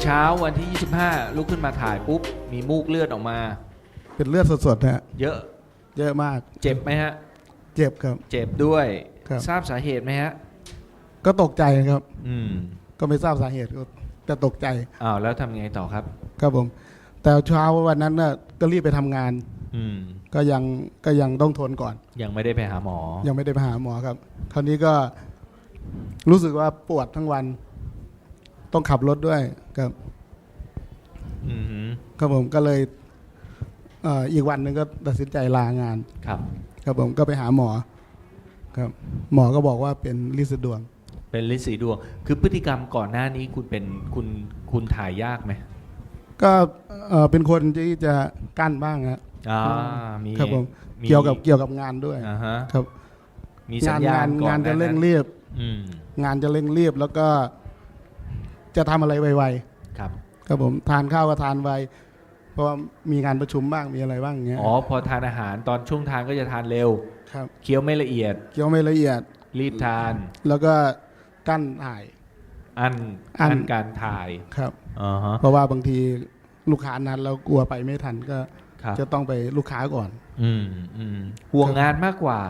เช้าวันที่ 25 ลุกขึ้นมาถ่ายปุ๊บ มีมูกเลือดออกมาเป็นเลือดสดๆฮะเยอะเยอะมากเจ็บไหมฮะเจ็บครับเจ็บด้วยครับทราบสาเหตุไหมฮะก็ตกใจครับอืมก็ไม่ทราบสาเหตุก็จะตกใจอ้าวแล้วทำไงต่อครับครับผม แต่เช้าวันนั้นน่ะก็รีบไปทำงานอืมก็ยังต้องทนก่อนยังไม่ได้ไปหาหมอยังไม่ได้ไปหาหมอครับ คราวนี้ก็รู้สึกว่าปวดทั้งวัน ต้องขับรถด้วยครับอือหือครับผมก็เลยอีกวันหนึ่งก็ตัดสินใจลางานครับครับผมก็ไปหาหมอครับ หมอก็บอกว่าเป็นลินสะดวงเป็นฤทธิ์สีดวง คือพฤติกรรมก่อนหน้านี้คุณเป็นคุณถ่ายยากไหมก็เป็นคนที่จะกั้นบ้างครับมีครับผมมีเกี่ยวกับงานด้วยอ่าฮะครับมีสัญญาณก่อนงานจะเร่งรีบรีบ งานจะเร่งรีบแล้วก็จะทำอะไรไวครับๆครับผมทานข้าวก็ทานไวเพราะว่ามีงานประชุมบ้างมีอะไรบ้างอย่างเงี้ยอ๋อ พอทานอาหารตอนช่วงทานก็จะทานเร็วครับเคี้ยวไม่ละเอียดเกี่ยวไม่ละเอียดรีบทานแล้วก็กั้นถ่ายอันอั้นการถ่ายครับอ่าฮะเพราะว่าบางทีลูกค้านัดแล้วกลัวไปไม่ทันก็ครับจะต้องไปลูกค้าก่อนห่วงงานมากกว่า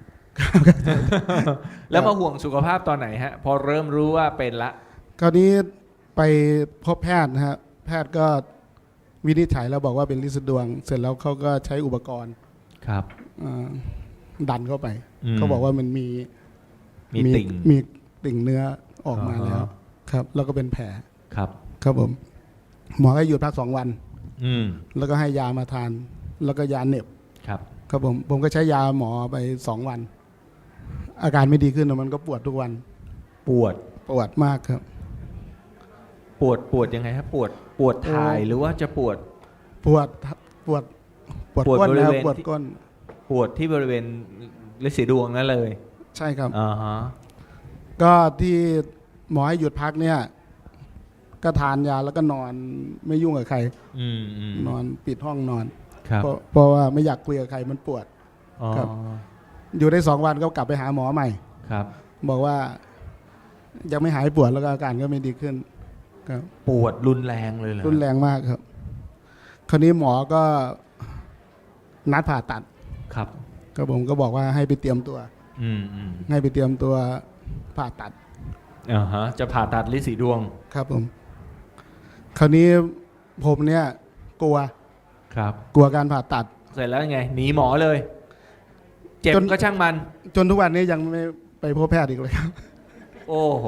แล้วมาห่วงสุขภาพตอนไหนฮะ พอเริ่มรู้ว่าเป็นละคราวนี้ไปพบแพทย์นะฮะแพทย์ก็วินิจฉัยแล้วบอกว่าเป็นลินสะดวง เสร็จแล้วเขาก็ใช้อุปกรณ์ครับดันเข้าไปอืมเขาบอกว่ามันมีติ่งมีติ่งเนื้อออกมาอ่าฮะแล้วครับ แล้วก็เป็นแผลครับครับผมหมอให้หยุดพัก2 วันอืมแล้วก็ให้ยามาทาน แล้วก็ยาเหน็บครับครับผมก็ใช้ยาหมอไป2 วัน อาการไม่ดีขึ้นแต่มันก็ปวดทุกวันปวดปวดมากครับปวดยังไงครับปวดถ่ายหรือว่าจะปวดปวดปวดปวดปวดก้นบรินะเวณปวดก้นปวดที่บริเวณฤทธิ์สีดวงนั่นเลยใช่ครับอ่าฮะก็ที่หมอให้หยุดพักเนี่ย ก็ทานยาแล้วก็นอนไม่ยุ่งกับใคร นอนปิดห้องนอนครับเพราะว่าไม่อยากคุยกับใครมันปวดอ๋อครับ อยู่ได้2 วันก็กลับไปหาหมอใหม่ครับบอกว่ายังไม่หายปวดแล้วก็อาการก็ไม่ดีขึ้นครับปวดรุนแรงเลยเหรอรุนแรงมากครับ คราวนี้หมอก็นัดผ่าตัดครับก็ผมก็บอกว่าให้ไปเตรียมตัวอืมให้ไปเตรียมตัวผ่าตัดอ่าฮะ จะผ่าตัดฤทธิ์สีดวงครับผม คราวนี้ผมเนี่ยกลัวครับกลัวการผ่าตัดเสร็จแล้วยังไง หนีหมอเลย เจ็บจนก็ช่างมันจนทุกวันนี้ยังไม่ไปพบแพทย์อีกเลยครับโอ้โห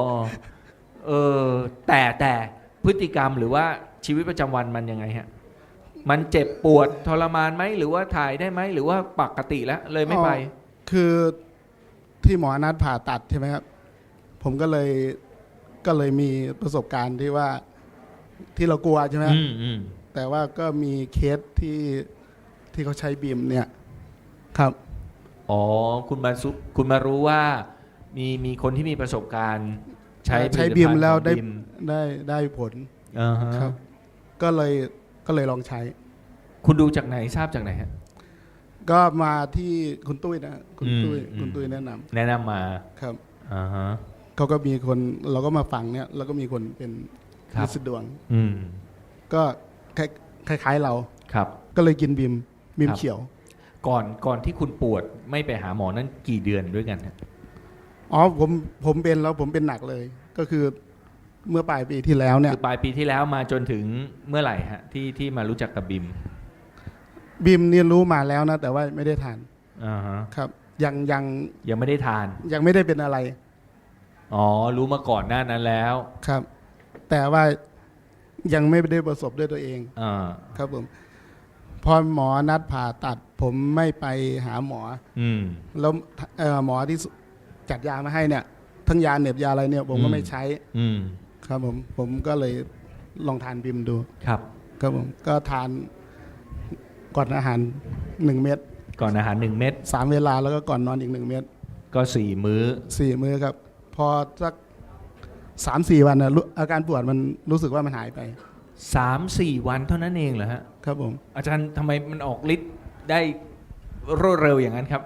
แต่พฤติกรรมหรือว่าชีวิตประจำวันมันยังไงฮะ มันเจ็บปวดทรมานไหมหรือว่าถ่ายได้ไหมหรือว่าปกติแล้วเลยไม่ไปคือที่หมอนัดผ่าตัดใช่ไหมครับ ผมก็เลยมีประสบการณ์ที่ว่าที่เรากลัวใช่ไหมครับ แต่ว่าก็มีเคสที่เขาใช้บีมเนี่ยครับอ๋อ คุณมารู้ว่ามีคนที่มีประสบการณ์ ใช้ใช้ผบีลิตมภัณฑ์แล้วของได้บิมได้ผลอ่าฮะครับ ก็เลยลองใช้คุณดูจากไหนทราบจากไหนฮะก็มาที่คุณตุ้ยนะคุณตุ้ยอืมคุณตุ้ยแนะนำแนะนำมาครับอ่าฮะเขาก็มีคนเราก็มาฟังเนี่ยแล้วก็มีคนเป็นครับลินสะดวงอืมก็คล้ายๆเราครับก็เลยกินบีมครับเขียวก่อนที่คุณปวดไม่ไปหาหมอนั้นกี่เดือนด้วยกันฮะอ๋อผมเป็นแล้วผมเป็นหนักเลย ก็คือเมื่อปลายปีที่แล้วเนี่ยคือปลายปีที่แล้วมาจนถึงเมื่อไหร่ฮะที่มารู้จักกับบิมบีมเนี่ยรู้มาแล้วนะ แต่ว่าไม่ได้ทานอ่าฮะครับ ยังยังไม่ได้ทานยังไม่ได้เป็นอะไรอ๋อ รู้มาก่อนหน้านั้นแล้วครับ แต่ว่ายังไม่ได้ประสบด้วยตัวเองอ่าครับผมพอหมอนัดผ่าตัด ผมไม่ไปหาหมออืมแล้วหมอที่จัดยามาให้เนี่ย ทั้งยาเหน็บยาอะไรเนี่ย ผมก็ไม่ใช้อืมครับผมก็เลยลองทานบิมดูครับครับผมก็ทานก่อนอาหาร1 เม็ดก่อนอาหาร1 เม็ด 3 เวลาแล้วก็ก่อนนอนอีก1 เม็ดก็4 มื้อ 4 มื้อครับ พอสัก3-4 วันนะอาการปวดมันรู้สึกว่ามันหายไป 3-4 วันเท่านั้นเองเหรอฮะครับผมอาจารย์ทำไมมันออกฤทธิ์ได้รวดเร็วอย่างนั้นครับ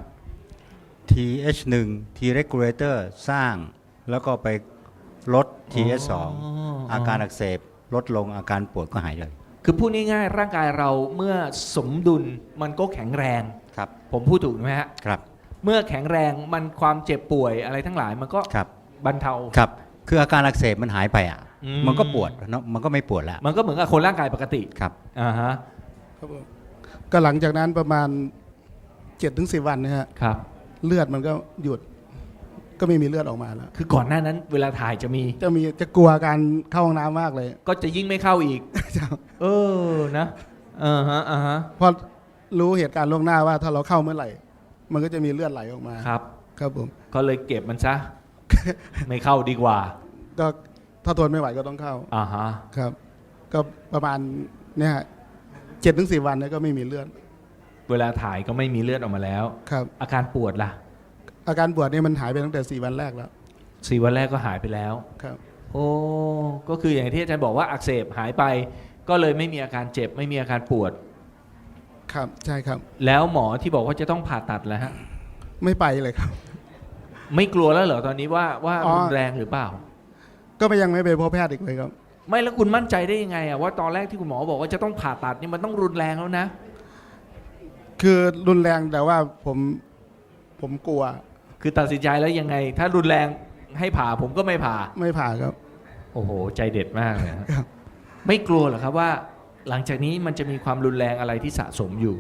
TH1 T regulator สร้างแล้วก็ไปลด TH2 อาการอักเสบลดลงอาการปวดก็หายเลยคือพูดง่ายๆร่างกายเราเมื่อสมดุลมันก็แข็งแรงครับผมพูดถูกไหมฮะครับเมื่อแข็งแรงมันความเจ็บป่วยอะไรทั้งหลายมันก็ครับบรรเทาครับคืออาการอักเสบมันหายไปอ่ะอืมมันก็ปวดเนาะมันก็ไม่ปวดแล้วมันก็เหมือนกับคนร่างกายปกติครับอ่าฮะครับผมก็หลังจากนั้นประมาณ7-10 วันนะฮะครับเลือดมันก็หยุด ก็ไม่มีเลือดออกมาแล้วคือก่อนหน้านั้นเวลาถ่ายจะมีจะกลัวการเข้าห้องน้ำมากเลยก็จะยิ่งไม่เข้าอีก เออนะอ่าฮะอ่าฮะเพราะรู้เหตุการณ์ล่วงหน้าว่าถ้าเราเข้าเมื่อไหร่ มันก็จะมีเลือดไหลออกมาครับครับผมก็เลยเก็บมันซะ ไม่เข้าดีกว่าก็ถ้าทนไม่ไหวก็ต้องเข้าอ่าฮะครับ ก็ประมาณเนี่ย7-10 วันเนี่ยก็ไม่มีเลือดเวลาถ่ายก็ไม่มีเลือดออกมาแล้วครับอาการปวดล่ะอาการปวดเนี่ยมันหายไปตั้งแต่4 วันแรกแล้ว 4 วันแรกก็หายไปแล้วครับโอ้ก็คืออย่างที่อาจารย์บอกว่าอักเสบหายไป ก็เลยไม่มีอาการเจ็บไม่มีอาการปวดครับใช่ครับแล้วหมอที่บอกว่าจะต้องผ่าตัดแล้วฮะไม่ไปเลยครับไม่กลัวแล้วเหรอตอนนี้ว่าอ๋อรุนแรงหรือเปล่าก็ยังไม่ไปพบแพทย์อีกเลยครับไม่แล้วคุณมั่นใจได้ยังไงอะว่าตอนแรกที่คุณหมอบอกว่าจะต้องผ่าตัดนี่มันต้องรุนแรงแล้วนะคือรุนแรงแต่ว่าผมกลัวคือตัดสินใจแล้วยังไง ถ้ารุนแรงให้ผ่าผมก็ไม่ผ่าไม่ผ่าครับโอ้โห ใจเด็ดมากเลยฮะครับไม่กลัวเหรอครับว่า หลังจากนี้มันจะมีความรุนแรงอะไรที่สะสมอยู่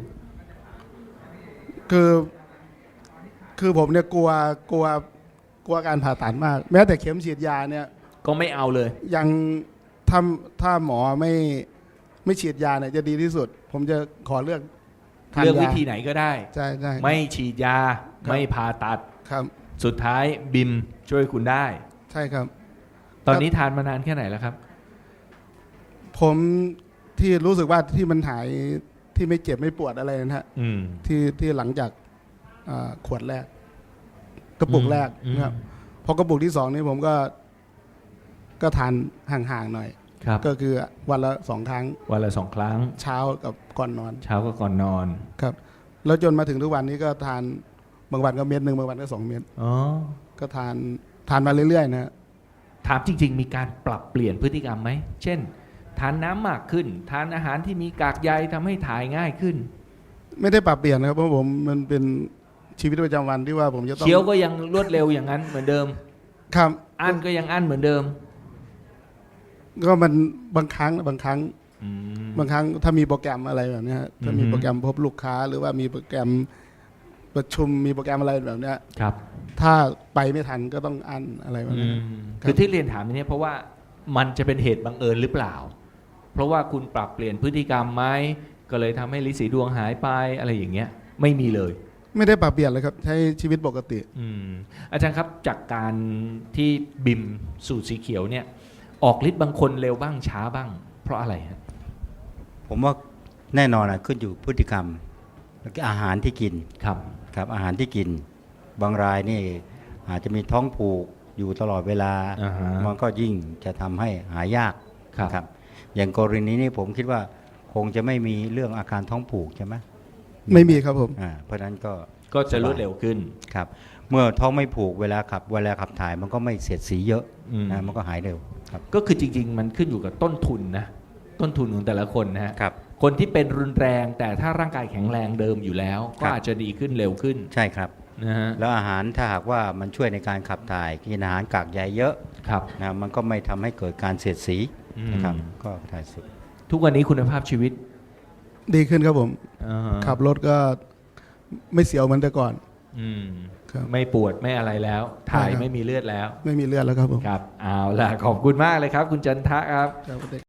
คือผมเนี่ยกลัวการผ่าตัดมาก แม้แต่เข็มฉีดยาเนี่ยก็ไม่เอาเลยยังถ้าหมอไม่ฉีดยาเนี่ยจะดีที่สุด ผมจะขอเลือกทานเลือกยาวิธีไหนก็ได้ใช่ใช่ไม่ฉีดยาครับไม่ผ่าตัดครับสุดท้ายบิมช่วยคุณได้ใช่ครับตอนนี้ทานมานานแค่ไหนแล้วครับผมที่รู้สึกว่าที่มันหายที่ไม่เจ็บไม่ปวดอะไรนะฮะอืมที่หลังจากขวดแรก กระปุกแรกอืมนะครับพอกระปุกที่2นี่ผมก็ทานห่างๆหน่อยครับก็คือวันละ2 ครั้งวันละ2 ครั้งเช้ากับก่อนนอนเช้าก็ก่อนนอนครับแล้วจนมาถึงทุกวันนี้ก็ทานบางวันก็เม็ดหนึ่งบางวันก็2 เม็ดอ๋อก็ทานมาเรื่อยๆนะฮะถามจริง ๆ มีการปรับเปลี่ยนพฤติกรรมไหม เช่น ทานน้ำมากขึ้น ทานอาหารที่มีกากใยทำให้ถ่ายง่ายขึ้นไม่ได้ปรับเปลี่ยนนะครับเพราะผมมันเป็นชีวิตประจำวันที่ว่าผมจะต้องเคี้ยวก็ยังรวดเร็วอย่างนั้นเหมือนเดิมครับอั้นก็ยังอั้นเหมือนเดิมก็มันบางครั้งอืมบางครั้งถ้ามีโปรแกรมอะไรแบบเนี้ยถ้ามีอือฮึโปรแกรมพบลูกค้า หรือว่ามีโปรแกรมประชุมมีโปรแกรมอะไรแบบเนี้ยครับถ้าไปไม่ทันก็ต้องอั้นอะไรแบบอืนี้มครับคือที่เรียนถามนี้เพราะว่ามันจะเป็นเหตุบังเอิญหรือเปล่า เพราะว่าคุณปรับเปลี่ยนพฤติกรรมไหมก็เลยทำให้ลิสีดวงหายไปอะไรอย่างเงี้ย ไม่มีเลยไม่ได้ปรับเปลี่ยนเลยครับใช้ชีวิตปกติอืมอาจารย์ครับจากการที่บิมสูตรสีเขียวเนี่ย ออกฤทธิ์บางคนเร็วบ้างช้าบ้าง เพราะอะไรฮะผมว่าแน่นอนขึ้นอยู่พฤติกรรมแล้วก็อาหารที่กินครับครับอาหารที่กิน บางรายนี่อาจจะมีท้องผูกอยู่ตลอดเวลาอ่าฮะมันก็ยิ่งจะทำให้หายากครับอย่างกรณีนี้ผมคิดว่าคงจะไม่มีเรื่องอาการท้องผูกใช่ไหมไม่มีครับผมเพราะฉะนั้นก็ก็จะรวดเร็วขึ้นครับเมื่อท้องไม่ผูกเวลาขับถ่ายมันก็ไม่เสียดสีเยอะอืมมันก็หายเร็วครับก็คือจริง ๆ มันขึ้นอยู่กับต้นทุนนะต้นทุนของแต่ละคนนะฮะครับคนที่เป็นรุนแรงแต่ถ้าร่างกายแข็งแรงเดิมอยู่แล้วครัก็บอาจจะดีขึ้นเร็วขึ้นใช่ครับนะฮะแล้วอาหารถ้าหากว่ามันช่วยในการขับถ่ายกินอาหารกากใยเยอะครับนะมันก็ไม่ทำให้เกิดการเสียดสีนะครับอืมก็ถ่ายสุดทุกวันนี้คุณภาพชีวิตดีขึ้นครับผมอ่าฮะขับรถก็ไม่เสียวเหมือนแต่ก่อนอืมครับไม่ปวดไม่อะไรแล้ว ถ่ายใช่ครับไม่มีเลือดแล้วไม่มีเลือดแล้วครับผมครับเอาล่ะขอบคุณมากเลยครับ คุณจันทะครับครับ